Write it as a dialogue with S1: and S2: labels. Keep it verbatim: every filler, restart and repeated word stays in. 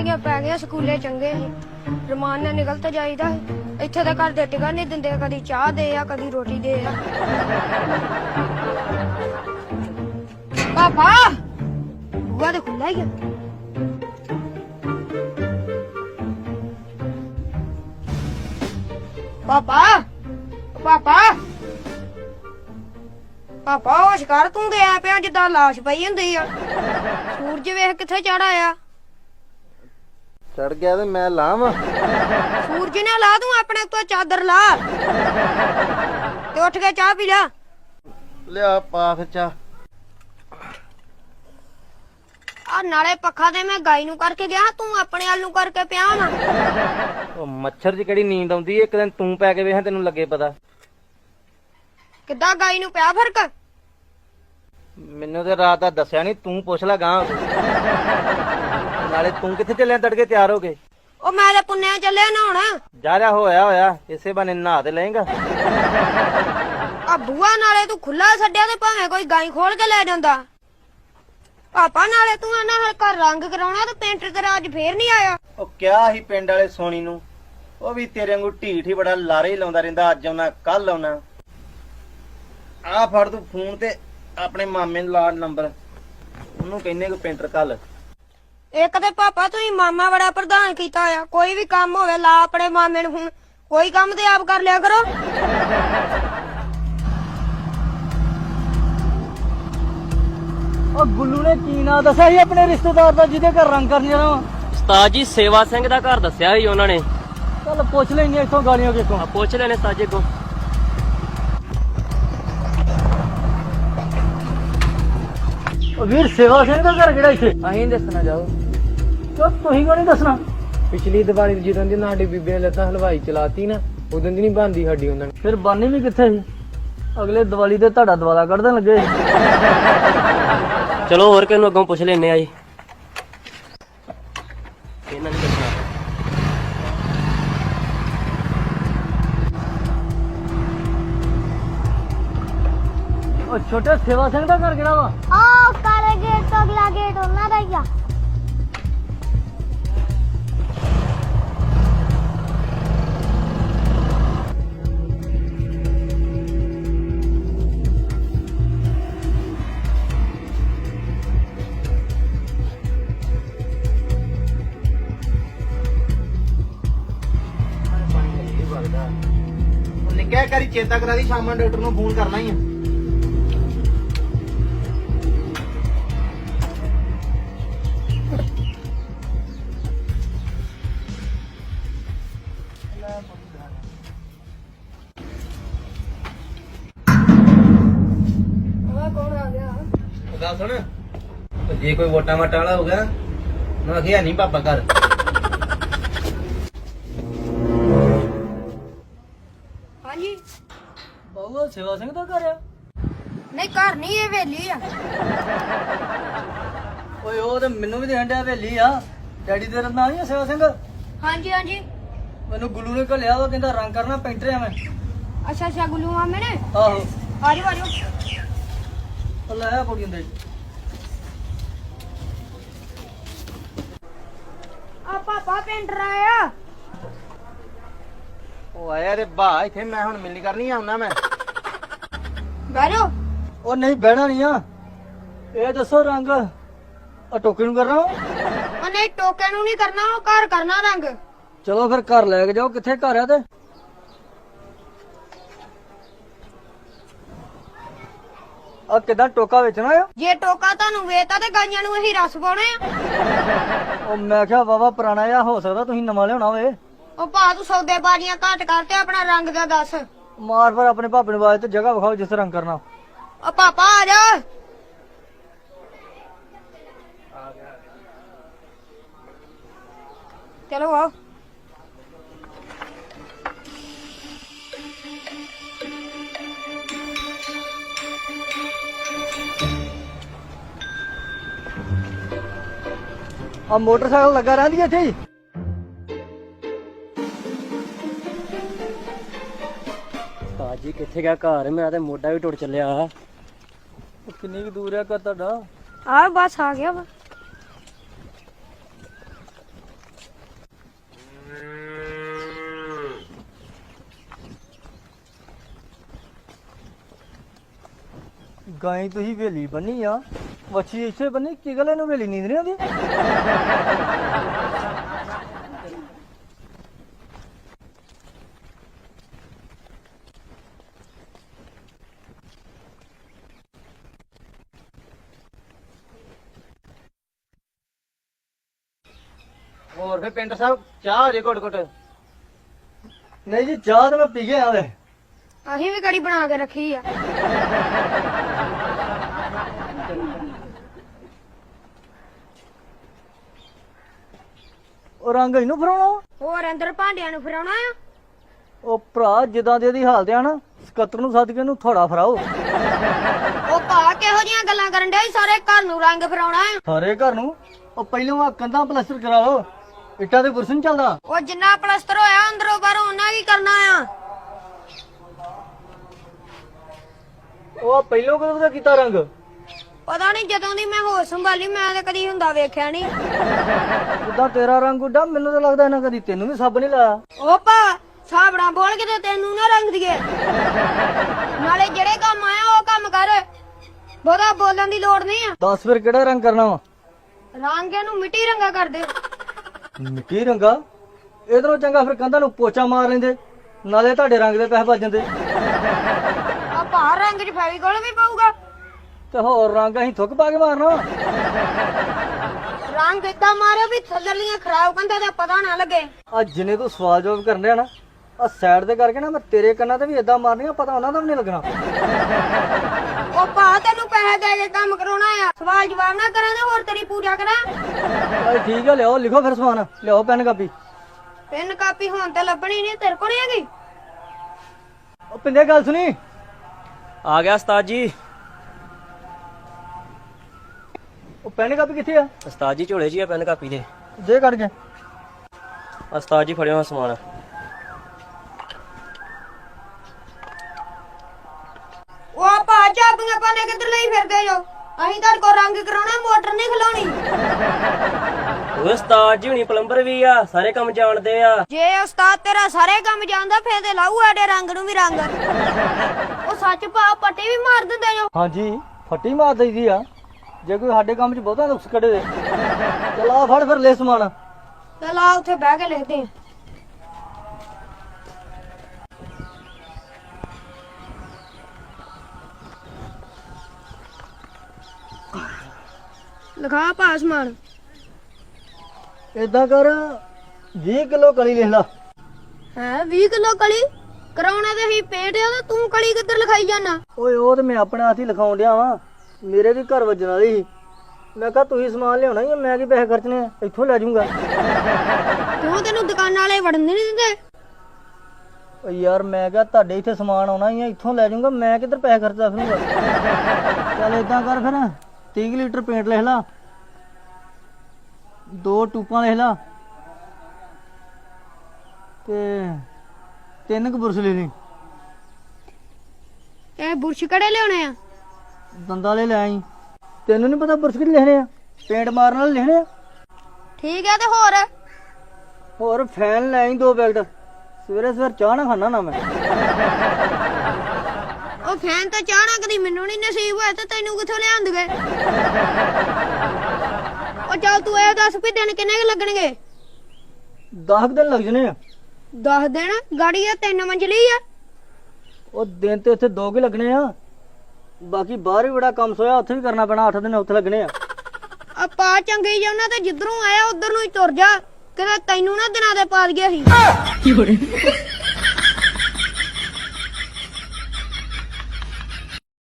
S1: ਛੁੱਟੀਆਂ ਪੈ ਗਈਆਂ ਸਕੂਲੇ ਚੰਗੇ ਸੀ ਰਮਾਨ ਨਾਲ ਨਿਕਲ ਤੇ ਜਾਈਦਾ ਇੱਥੇ ਤਾਂ ਘਰ ਦੇ ਟਿਕਣ ਨਹੀਂ ਦਿੰਦੇ ਕਦੀ ਚਾਹ ਦੇ ਆ ਕਦੀ ਰੋਟੀ ਦੇ ਆ ਪਾਪਾ ਬੁਆ ਤੇ ਖੁੱਲਾ ਹੀ ਆ ਪਾਪਾ ਪਾਪਾ ਪਾਪਾ ਉਹ ਸ਼ਿਕਾਰ ਤੂੰ ਦੇ ਆ ਪਿਆ ਜਿੱਦਾਂ ਲਾਸ਼ ਪਈ ਹੁੰਦੀ ਆ ਸੂਰਜ ਵੇਖ ਕਿੱਥੇ ਚੜਾ ਆ
S2: ਚੜ ਗਿਆ ਤੇ ਮੈਂ ਲਾਵਾਂ
S1: ਸੂਰਜ ਨੇ ਲਾ ਦੂੰ ਆਪਣੇ ਉੱਤੇ ਚਾਦਰ ਲਾ ਤੇ ਉੱਠ ਕੇ ਚਾਹ ਪੀ ਲੈ
S2: ਲਿਆ ਪਾਖ ਚਾ
S1: ਆ ਨਾਲੇ ਪੱਖਾ ਤੇ ਮੈਂ ਗਾਈ ਨੂੰ ਕਰਕੇ ਗਿਆ ਤੂੰ ਆਪਣੇ ਵੱਲ ਨੂੰ ਕਰਕੇ ਪਿਆ ਨਾ
S2: ਉਹ ਮੱਛਰ 'ਚ ਕਿਹੜੀ ਨੀਂਦ ਆਉਂਦੀ ਇੱਕ ਦਿਨ ਤੂੰ ਪੈ ਕੇ ਵੇਖ ਤੈਨੂੰ ਲੱਗੇ ਪਤਾ
S1: ਕਿੱਦਾਂ ਗਾਈ ਨੂੰ ਪਿਆ ਫਰਕ
S2: ਮੈਨੂੰ ਤੇ ਰਾਤ ਦਾ ਦੱਸਿਆ ਨਹੀਂ ਤੂੰ ਪੁੱਛ ਲੈ ਗਾਂ ਨਾਲੇ ਤੂੰ ਕਿੱਥੇ ਚੱਲਿਆ ਤੜਕੇ ਤਿਆਰ ਹੋ ਕੇ
S1: ਉਹ ਮੈਂ ਤੇ ਪੁੰਨਿਆ ਚੱਲਿਆ ਨਹਾਉਣ
S2: ਜਾ ਰਿਹਾ ਹੋਇਆ ਹੋਇਆ ਇਸੇ ਬਹਾਨੇ ਨਹਾ ਤੇ ਲਏਗਾ
S1: ਆ ਬੂਆ ਨਾਲੇ ਤੂੰ ਖੁੱਲਾ ਛੱਡਿਆ ਤੇ ਭਾਵੇਂ ਕੋਈ ਗਾਈ ਖੋਲ ਕੇ ਲੈ ਜਾਂਦਾ ਪਾਪਾ ਨਾਲੇ ਤੂੰ ਇਹਨਾਂ ਹਰ ਘਰ ਰੰਗ ਕਰਾਉਣਾ ਤੇ ਪੇਂਟਰ ਤੇਰਾ ਅੱਜ ਫੇਰ ਨਹੀਂ ਆਇਆ
S2: ਉਹ ਕਿਹਾ ਸੀ ਪਿੰਡ ਵਾਲੇ ਸੋਨੀ ਨੂੰ ਉਹ ਵੀ ਤੇਰੇ ਵਾਂਗੂ ਢੀਠ ਹੀ ਬੜਾ ਲਾਰੇ ਹੀ ਲਾਉਂਦਾ ਰਹਿੰਦਾ ਅੱਜ ਆਉਣਾ ਕੱਲ ਆਉਣਾ ਆ ਫੜ ਤੂੰ ਫੋਨ ਤੇ ਆਪਣੇ ਮਾਮੇ ਨੂੰ ਲਾ ਨੰਬਰ ਉਹਨੂੰ ਕਹਿੰਨੇ ਕਿ ਪੇਂਟਰ ਕੱਲ
S1: ਇੱਕ ਤੇ ਪਾਪਾ ਤੁਸੀਂ ਮਾਮਾ ਬੜਾ ਪ੍ਰਧਾਨ ਕੀਤਾ ਆ ਕੋਈ ਵੀ ਕੰਮ ਹੋਵੇ ਲਾ ਆਪਣੇ ਮਾਮੇ ਨੂੰ ਫੋਨ ਕੋਈ ਕੰਮ ਤੇ ਆਪ ਕਰ ਲਿਆ ਕਰੋ
S3: ਉਹ ਗੁੱਲੂ ਨੇ ਕੀ ਨਾਂ ਦੱਸਿਆ ਸੀ ਆਪਣੇ ਰਿਸ਼ਤੇਦਾਰ ਦਾ ਜਿਹਦੇ ਘਰ ਰੰਗ ਕਰਨ ਜਾਣਾ ਵਾ
S4: ਉਸਤਾਦ ਜੀ ਸੇਵਾ ਸਿੰਘ ਦਾ ਘਰ ਦੱਸਿਆ ਸੀ ਉਹਨਾਂ ਨੇ
S3: ਚੱਲ ਪੁੱਛ ਲੈਣੀ ਇੱਥੋਂ ਗਾਲੀਆਂ ਕਿੱਥੋਂ
S4: ਆ ਪੁੱਛ ਲੈਣੇ ਸਾਜੇ ਕੋ
S3: ਉਹ ਵੀਰ ਸੇਵਾ ਸਿੰਘ ਦਾ ਘਰ ਕਿਹੜਾ ਇੱਥੇ
S2: ਅਹੀਂ ਦੱਸਣਾ ਜਾਓ
S3: ਕਿਉਂ ਤੁਸੀਂ ਕਿਉਂ ਨਹੀਂ ਦੱਸਣਾ
S5: ਪਿਛਲੀ ਦੀਵਾਲੀ ਜਦੋਂ ਦੀ ਸਾਡੀ ਬੀਬੀ ਨੇ ਲੱਤਾਂ ਹਲਵਾਈ ਚਲਾਤੀ ਨਾ ਉਦੋਂ ਦੀ ਨਹੀਂ ਬਣਦੀ ਸਾਡੀ ਉਹਨਾਂ ਨੇ
S3: ਫਿਰ ਬਾਨੀ ਵੀ ਕਿੱਥੇ ਸੀ ਅਗਲੇ ਦੀਵਾਲੀ ਤੇ ਤੁਹਾਡਾ ਦਵਾਲਾ ਕੱਢਣ ਲੱਗੇ
S4: ਚਲੋ ਹੋਰ ਕਿਹਨੂੰ ਅੱਗੋਂ ਪੁੱਛ ਲੈਣੇ ਆ ਜੀ ਇਹਨਾਂ ਨੇ ਦੱਸਣਾ
S3: ਉਹ ਛੋਟੇ ਸੇਵਾ ਸਿੰਘ ਦਾ ਘਰ ਕਿਹੜਾ ਵਾ
S6: ਆ ਕਾਲੇ ਗੇਟ ਤੋਂ ਅਗਲਾ ਗੇਟ ਉਹਨਾਂ ਦਾ ਹੀ ਆ
S2: ਨਿੱਕਿਆ ਕਰੀ ਚੇਤਾ ਕਰਾ ਦੀ ਸ਼ਾਮਾਂ ਡਾਕਟਰ ਨੂੰ ਫੋਨ ਕਰਨਾ ਹੀ ਆ
S1: ਕੌਣ ਆ ਗਿਆ
S2: ਗੱਲ ਸੁਣ ਜੇ ਕੋਈ ਵੋਟਾਂ ਵਾਟਾਂ ਵਾਲਾ ਹੋ ਗਿਆ ਨਾ ਅਖਿਆ ਨਹੀਂ ਪਾਪਾ ਘਰ
S1: ਹਾਂਜੀ
S3: ਬਾਬੂ ਸੇਵਾ ਸਿੰਘ ਦਾ ਘਰ ਆ
S1: ਨਹੀਂ ਘਰ ਨਹੀਂ ਇਹ ਵੇਲੀ ਆ
S3: ਓਏ ਉਹ ਤੇ ਮੈਨੂੰ ਵੀ ਦੇਣ ਡਿਆ ਹਵੇਲੀ ਆ ਡੈਡੀ ਤੇਰਾ ਨਾਂ ਨਹੀਂ ਆ ਸੇਵਾ ਸਿੰਘ
S1: ਹਾਂਜੀ ਹਾਂਜੀ
S3: ਮੈਨੂੰ ਗੁੱਲੂ ਨੇ ਘੱਲਿਆ ਵਾ ਕਹਿੰਦਾ ਰੰਗ ਕਰਨਾ ਪੇਂਟਰ ਆ ਮੈਂ
S1: ਅੱਛਾ ਅੱਛਾ ਗੁੱਲੂ ਮਾਮੇ ਨੇ
S3: ਆਹੋ
S1: ਆਜੋ ਆਜੋ
S3: ਉਹ ਲੈ ਆ ਪੋੜੀ ਹੁੰਦੇ
S1: ਆ ਪਾਪਾ ਪੇਂਟਰ ਆਇਆ
S2: ਉਹ ਆਇਆ ਰੇ ਬਾ ਇੱਥੇ ਮੈਂ ਹੁਣ ਮਿਲਣੀ ਕਰਨੀ ਆਉਣਾ ਮੈਂ
S1: ਬੈਠੋ
S3: ਉਹ ਨਹੀਂ ਬਹਿਣਾ ਨਹੀਂ ਆ ਇਹ ਦੱਸੋ ਰੰਗ ਆ ਟੋਕੇ ਨੂੰ ਕਰਨਾ ਵਾ?
S1: ਉਹ ਨਹੀਂ ਟੋਕੇ ਨੂੰ ਨਹੀਂ ਕਰਨਾ ਉਹ ਘਰ ਕਰਨਾ ਰੰਗ
S3: ਚਲੋ ਫਿਰ ਘਰ ਲੈ ਕੇ ਜਾਓ ਕਿੱਥੇ ਘਰ ਆ ਤੇ ਆ ਕਿਦਾਂ ਟੋਕਾ ਵੇਚਣਾ ਆ
S1: ਜੇ ਟੋਕਾ ਤੁਹਾਨੂੰ ਵੇਚਤਾ ਤੇ ਗਾਈਆਂ ਨੂੰ ਅਸੀਂ ਰਸ ਪਾਉਣੇ ਆ
S3: ਉਹ ਮੈਂ ਕਿਹਾ ਵਾਵਾ ਪੁਰਾਣਾ ਆ ਹੋ ਸਕਦਾ ਤੁਸੀਂ ਨਵਾਂ ਲਿਆਉਣਾ ਹੋਵੇ
S1: ਉਹ ਭਾ ਤੂੰ ਸੌਦੇ ਬਾਜ਼ੀਆਂ ਘੱਟ ਕਰ ਤੇ ਆਪਣਾ ਰੰਗ ਦਾ ਦੱਸ
S3: ਮਾਰ ਫਿਰ ਆਪਣੇ ਭਾਪੇ ਨੂੰ ਆਵਾਜ਼ ਤੇ ਜਗ੍ਹਾ ਵਿਖਾਓ ਜਿਸ ਰੰਗ ਕਰਨਾ
S1: ਉਹ ਪਾਪਾ ਆ ਜਾ ਚਲੋ ਆਓ
S3: ਆ ਮੋਟਰਸਾਈਕਲ ਲੱਗਾ ਰਹਿੰਦੀ ਇੱਥੇ ਹੀ
S4: ਉਸਤਾਦ ਜੀ ਕਿੱਥੇ ਗਿਆ ਘਰ ਮੇਰਾ ਤੇ ਮੋਢਾ ਵੀ ਟੁੱਟ ਚੱਲਿਆ
S3: ਉਹ ਕਿੰਨੀ ਕੁ ਦੂਰ ਆ ਘਰ ਤੁਹਾਡਾ
S1: ਆ ਬਸ ਆ ਗਿਆ ਵਾ
S3: ਗਾਈ ਤੁਸੀਂ ਵੇਲੀ ਬੰਨੀ ਆ, ਵੱਛੀ ਇੱਥੇ ਬੰਨੀ, ਕੀ ਗੱਲ ਇਹਨੂੰ ਵੇਲੀ ਨੀਂਦ ਨਹੀਂ ਆਉਂਦੀ?
S2: ਹੋਰ ਫੇ ਪਿੰਡ ਸਾਹਿਬ ਚਾਹ ਜੇ ਘੁੱਟ ਘੁੱਟ।
S3: ਨਹੀਂ ਜੀ, ਚਾਹ ਤਾਂ ਮੈਂ ਪੀ ਕੇ ਆਇਆ ਵੇ।
S1: ਅਸੀਂ ਵੀ ਕੜੀ ਬਣਾ ਕੇ ਰੱਖੀ ਆ।
S3: ਉਹ ਰੰਗ ਇਹਨੂੰ ਫਰਾਉਣਾ ਵਾ?
S1: ਹੋਰ ਅੰਦਰ ਭਾਂਡਿਆਂ ਨੂੰ ਫਰਾਉਣਾ ਆ।
S3: ਉਹ ਭਰਾ ਜਿੱਦਾਂ ਦੀ ਇਹਦੀ ਹਾਲਤ ਆ ਨਾ, ਸਕੱਤਰ ਨੂੰ ਸੱਦ ਕੇ ਇਹਨੂੰ ਥੋੜਾ ਫਰਾਓ।
S1: ਉਹ ਭਾ ਕਿਹੋ ਜੀਆਂ ਗੱਲਾਂ ਕਰਨ ਡਿਆ ਈ? ਸਾਰੇ ਘਰ ਨੂੰ ਰੰਗ ਫਰਾਉਣਾ ਆ।
S3: ਸਾਰੇ ਘਰ ਨੂੰ? ਉਹ ਪਹਿਲੋਂ ਆ ਕੰਧਾਂ ਪਲਾਸਟਰ ਕਰਾ ਲਓ, ਇੱਟਾਂ ਦੇ ਬੁਰਸ਼ ਨੀ ਚੱਲਦਾ।
S1: ਉਹ ਜਿੰਨਾ ਪਲਸਤਰ ਹੋਇਆ ਅੰਦਰੋਂ ਬਾਹਰੋਂ ਉਹਨਾਂ ਕੀ ਕਰਨਾ ਆ।
S3: ਉਹ ਪਹਿਲੋਂ ਕਦੋਂ ਦਾ ਕੀਤਾ ਰੰਗ?
S1: ਪਤਾ ਨਹੀਂ, ਜਦੋਂ ਦੀ ਮੈਂ ਹੋਸ਼ ਸੰਭਾਲੀ ਮੈਂ ਤਾਂ ਕਦੀ ਹੁੰਦਾ ਵੇਖਿਆ ਨਹੀਂ।
S3: ਜਿੱਦਾਂ ਤੇਰਾ ਰੰਗ ਉੱਡਾ, ਮੈਨੂੰ ਤਾਂ ਲੱਗਦਾ ਇਹਨਾਂ ਕਦੀ ਤੈਨੂੰ ਵੀ ਸੱਬ ਨਹੀਂ ਲਾਇਆ।
S1: ਉਹ ਭਾ ਸਾਬੜਾ ਬੋਲ ਕੇ ਤੇ ਤੈਨੂੰ ਨਾ ਰੰਗ ਦੀਏ। ਨਾਲੇ ਜਿਹੜੇ ਕੰਮ ਆਇਆ ਉਹ ਕੰਮ ਕਰ, ਬਹੁਤਾ ਬੋਲਣ ਦੀ ਲੋੜ ਨਹੀਂ ਆ।
S3: ਦੱਸ ਫਿਰ ਕਿਹੜਾ ਰੰਗ ਕਰਨਾ ਵਾ?
S1: ਰੰਗ ਇਹਨੂੰ ਮਿੱਟੀ ਰੰਗਾ ਕਰ ਦੇ।
S3: ਮਿੱਟੀ ਰੰਗਾ? ਇਧਰੋਂ ਚੰਗਾ ਫਿਰ ਕੰਧਾਂ ਨੂੰ ਪੋਚਾ ਮਾਰ ਲੈਂਦੇ, ਨਾਲੇ ਤੁਹਾਡੇ ਰੰਗ ਦੇ ਪੈਸੇ ਬਚ ਜਾਂਦੇ।
S1: ਆ ਭਾ ਰੰਗ ਚ ਫੈਵੀਕੋਲ ਵੀ ਪਊਗਾ।
S3: ਤੇ ਹੋਰ ਰੰਗ ਅਸੀਂ ਥੁੱਕ ਪਾ ਕੇ ਮਾਰਨਾ ਵਾ?
S1: ਰੰਗ ਏਦਾਂ ਮਾਰਿਓ ਵੀ ਥੱਲੜੀਆਂ ਖਰਾਬ ਕੰਧਾਂ ਦਾ ਪਤਾ ਨਾ ਲੱਗੇ।
S3: ਆ ਜਿੰਨੇ ਤੂੰ ਸਵਾਲ ਜਵਾਬ ਕਰਨ ਡਿਆ ਨਾ, ਆ ਸਾਈਡ ਤੇ ਕਰਕੇ ਨਾ ਮੈਂ ਤੇਰੇ ਕੰਨਾਂ ਤੇ ਵੀ ਏਦਾਂ ਮਾਰਨੀਆਂ, ਪਤਾ ਉਹਨਾਂ ਦਾ ਵੀ ਨਹੀਂ ਲੱਗਣਾ।
S1: ਉਹ ਭਾ ਤੈਨੂੰ ਪੈਸੇ ਦੇ ਕੇ ਕੰਮ ਕਰਾਉਣਾ ਆ, ਸਵਾਲ ਜਵਾਬ ਨਾ ਕਰਾਂ ਤੇ ਹੋਰ ਤੇਰੀ ਪੂਜਾ ਕਰਾਂ।
S3: ਚੱਲ ਠੀਕ ਆ, ਲਿਆਓ ਲਿਖੋ ਫਿਰ ਸਮਾਨ, ਲਿਆਓ ਪੈਨ ਕਾਪੀ।
S1: ਪੈਨ ਕਾਪੀ ਹੁਣ ਤੇ ਲੱਭਣੀ ਨਹੀਂ, ਤੇਰੇ ਕੋਲ ਨਹੀਂ ਹੈਗੀ।
S3: ਉਹ ਪਿੰਦੇ ਗੱਲ ਸੁਣੀ।
S4: ਆ ਗਿਆ ਉਸਤਾਦ ਜੀ।
S3: ਉਹ ਪੈਨ ਕਾਪੀ ਕਿੱਥੇ ਆ?
S4: ਉਸਤਾਦ ਜੀ ਝੋਲੇ 'ਚ ਹੀ ਆ ਪੈਨ ਕਾਪੀ ਦੇ।
S3: ਦੇ ਕੱਢ ਕੇ।
S4: ਉਸਤਾਦ ਜੀ ਫੜਿਓ ਆਹ ਸਮਾਨ।
S1: ਉਹ ਭਾ ਚਾਬੀਆਂ ਪਾਣੇ ਕਿੱਧਰ ਲਈ ਫਿਰਦੇ ਜੋ? ਅਸੀਂ ਤੁਹਾਡੇ ਕੋਲ ਰੰਗ ਕਰਾਉਣਾ, ਮੋਟਰ ਨਹੀਂ ਖਲਾਉਣੀ।
S4: ਉਹ ਉਸਤਾਦ ਜੀ ਹੁਣੀ ਪਲੰਬਰ ਵੀ ਆ, ਸਾਰੇ ਕੰਮ ਜਾਣਦੇ ਆ।
S1: ਜੇ ਉਸਤਾਦ ਤੇਰਾ ਸਾਰੇ ਕੰਮ ਜਾਣਦਾ ਫੇਰ ਤੇ ਲਾਊ ਸਾਡੇ ਰੰਗ ਨੂੰ ਵੀ ਰੰਗ। ਉਹ ਸੱਚ ਭਾ ਪੱਟੀ ਵੀ ਮਾਰ ਦਿੰਦੇ ਜੋ।
S3: ਹਾਂਜੀ, ਫੱਟੀ ਮਾਰ ਦਈਦੀ ਆ ਜੇ ਕੋਈ ਸਾਡੇ ਕੰਮ 'ਚ ਬਹੁਤਾ ਨੁਕਸ ਕੱਢੇ ਦੇ। ਚਲ ਆ ਫੜ ਫਿਰ ਲੈ ਸਮਾਨ।
S1: ਚਲ ਆ ਉੱਥੇ ਬਹਿ ਕੇ ਲਿਖਦੇ ਆ। ਲਿਖਾ ਭਾ ਸਮਾਨ।
S3: ਏਦਾਂ ਕਰ, ਵੀਹ ਕਿਲੋ ਕਲੀ ਲਿਖ ਲਾ।
S1: ਹੈ ਵੀਹ ਕਿਲੋ ਕਲੀ ਕਰਾਉਣਾ ਤੇ ਹੀ ਪੇਟ ਆ, ਤੇ ਤੂੰ ਕਲੀ ਕਿੱਧਰ ਲਿਖਾਈ ਜਾਣਾ?
S3: ਓਏ ਉਹ ਤੇ ਮੈਂ ਆਪਣੇ ਹੱਥ ਹੀ ਲਿਖਾਉਣ ਡਿਆ ਵਾਂ, ਮੇਰੇ ਵੀ ਘਰ ਵੱਜਣ ਵਾਲੀ ਸੀ। ਮੈਂ ਕਿਹਾ ਤੁਸੀਂ ਸਮਾਨ ਲਿਆਉਣਾ ਹੀ ਆ, ਮੈਂ ਕੀ ਪੈਸੇ ਖਰਚਣੇ ਆ, ਇੱਥੋਂ ਲੈ ਜਾਊਂਗਾ।
S1: ਕਿਉਂ ਤੈਨੂੰ ਦੁਕਾਨਾਂ ਵਾਲੇ ਵੜਨ ਨਹੀਂ ਦਿੰਦੇ?
S3: ਓ ਯਾਰ ਮੈਂ ਕਿਹਾ ਤੁਹਾਡੇ ਇੱਥੇ ਸਮਾਨ ਆਉਣਾ ਹੀ ਆ, ਇੱਥੋਂ ਲੈ ਜਾਊਂਗਾ, ਮੈਂ ਕਿੱਧਰ ਪੈਸੇ ਖਰਚਦਾ ਫਿਰੂੰਗਾ। ਚੱਲ ਏਦਾਂ ਕਰ ਫਿਰ, ਤੀਹ ਲੀਟਰ ਪੇਂਟ ਲਿਖ ਲਾ, ਦੋ ਟੂਪਾਂ ਲਿਖ ਲਾ, ਤੇ ਤਿੰਨ ਕੁ ਬੁਰਸ਼ ਲੈ ਲਈ।
S1: ਇਹ ਬੁਰਸ਼ ਕਿਹੜੇ ਲਿਆਉਣੇ ਆ?
S3: ਦੰਦਾਂ ਵਾਲੇ ਲੈ ਆਈ। ਤੈਨੂੰ ਨਹੀਂ ਪਤਾ ਬੁਰਸ਼ ਕਿਹੜੇ ਲਿਖਣੇ ਆ? ਪੇਂਟ ਮਾਰਨ ਵਾਲੇ ਲਿਖਣੇ ਆ।
S1: ਠੀਕ ਹੈ, ਤੇ ਹੋਰ?
S3: ਹੋਰ ਫੈਨ ਲੈ ਆਈ ਦੋ ਪੈਕਟ, ਸਵੇਰੇ ਸਵੇਰੇ ਚਾਹ ਨਾ ਖਾਣਾ ਨਾ ਮੈਂ।
S1: ਉਹ ਫੈਨ ਤਾਂ ਚਾਹਣਾ ਕਦੀ ਮੈਨੂੰ ਨਹੀਂ ਨਸੀਬ ਹੋਇਆ, ਤੇ ਤੈਨੂੰ ਕਿੱਥੋਂ ਲਿਆਂਦਗੇ? ਉਹ ਚੱਲ ਤੂੰ ਇਹ ਦੱਸ ਵੀ ਦਿਨ ਕਿੰਨੇ ਕੁ ਲੱਗਣਗੇ?
S3: ਦਸ ਦਿਨ ਲੱਗ ਜਣੇ ਆ।
S1: ਦਸ ਦਿਨ? ਗਾੜੀ ਆ ਤਿੰਨ ਮੰਜ਼ਲੀ ਆ।
S3: ਉਹ ਦਿਨ ਤੇ ਉੱਥੇ ਦੋ ਕੁ ਲੱਗਣੇ ਆ, ਬਾਕੀ ਬਾਹਰ ਵੀ ਬੜਾ ਕੰਮ ਸੋਇਆ, ਉੱਥੇ ਵੀ ਕਰਨਾ ਪੈਣਾ, ਅੱਠ ਦਿਨ ਉੱਥੇ ਲੱਗਣੇ ਆ।
S1: ਆਪਾਂ ਚੰਗੇ ਜਾਉਣਾ ਤੇ ਜਿੱਧਰੋਂ ਆਇਆ ਉਧਰ ਨੂੰ ਹੀ ਤੁਰ ਜਾ, ਕਿਤੇ ਤੈਨੂੰ ਨਾ ਦਿਨਾਂ ਦੇ ਪਾ ਦਈਏ ਅਸੀਂ।